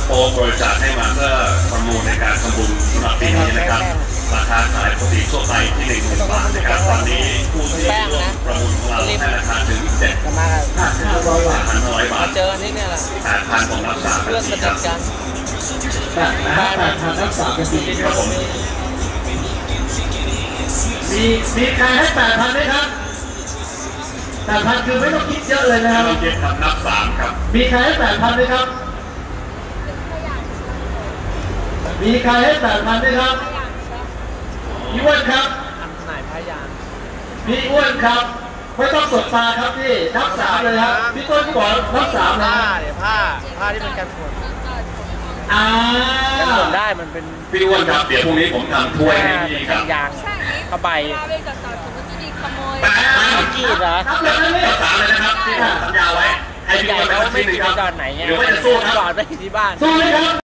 โป๊บริจาคให้มาเพื่อประมูลในการทำบุญสำหรับปีนี้นะครับราคาขายปกติทั่วไปที่10,000 บาทนะครับตอนนี้ผู้ที่ร่วมประมูลของเราให้ราคาถึง7,500 บาทเจออันนี้เนี่ยแหละ 8,000ของรักษาเพื่อนสนิทกัน 8,000รักษากันดีครับผมมีใครให้8,000ไหมครับ8,000คือไม่ต้องคิดเยอะเลยนะครับไม่ต้องคิดครับนับ3ครับมีใครให้8,000ไหมครับมีใครให้8,000ไหมครับพี่อ้วนครับไหนพยานพี่อ้วนครับไม่ต้องสดตาครับพี่นับ3เลยครับพี่ต้นบอกนับ3นะผ้าที่เป็นการฝนกันฝนได้มันเป็นพี่อ้วนครับเดี๋ยวพรุ่งนี้ผมทำถ้วยให้พี่ครับยางผ้าใบกีดเหรอนับ3เลยนะครับที่ผมสัญญาไว้ให้พี่อ้วนไปสักทีหนึ่งครับหรือว่าจะสู้ครับจอดไปที่บ้านสู้เลยครับ